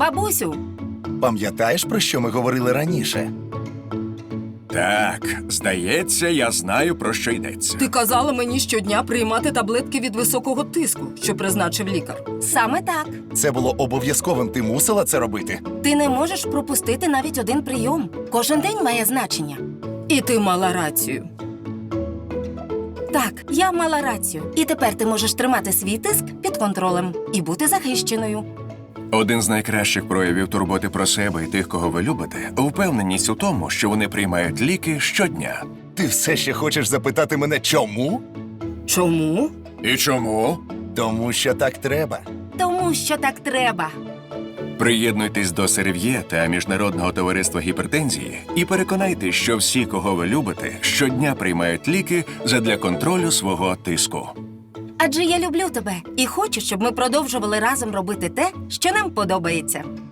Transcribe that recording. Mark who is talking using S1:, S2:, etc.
S1: Бабусю,
S2: Пам'ятаєш, про що ми говорили раніше?
S3: Так, здається, я знаю, про що йдеться.
S1: ти казала мені щодня приймати таблетки від високого тиску, що призначив лікар. Саме так.
S2: Це було обов'язковим, ти мусила це робити.
S1: Ти не можеш пропустити навіть один прийом. Кожен день має значення. І ти мала рацію. Так, я мала рацію. І тепер ти можеш тримати свій тиск під контролем і бути захищеною.
S3: Один з найкращих проявів турботи про себе і тих, кого ви любите, впевненість у тому, що вони приймають ліки щодня.
S2: Ти все ще хочеш запитати мене, чому?
S1: Чому?
S3: І чому?
S2: Тому що так треба.
S1: Тому що так треба.
S3: Приєднуйтесь до Серв'є та Міжнародного товариства гіпертензії і переконайтесь, що всі, кого ви любите, щодня приймають ліки задля контролю свого тиску.
S1: Адже я люблю тебе і хочу, щоб ми продовжували разом робити те, що нам подобається.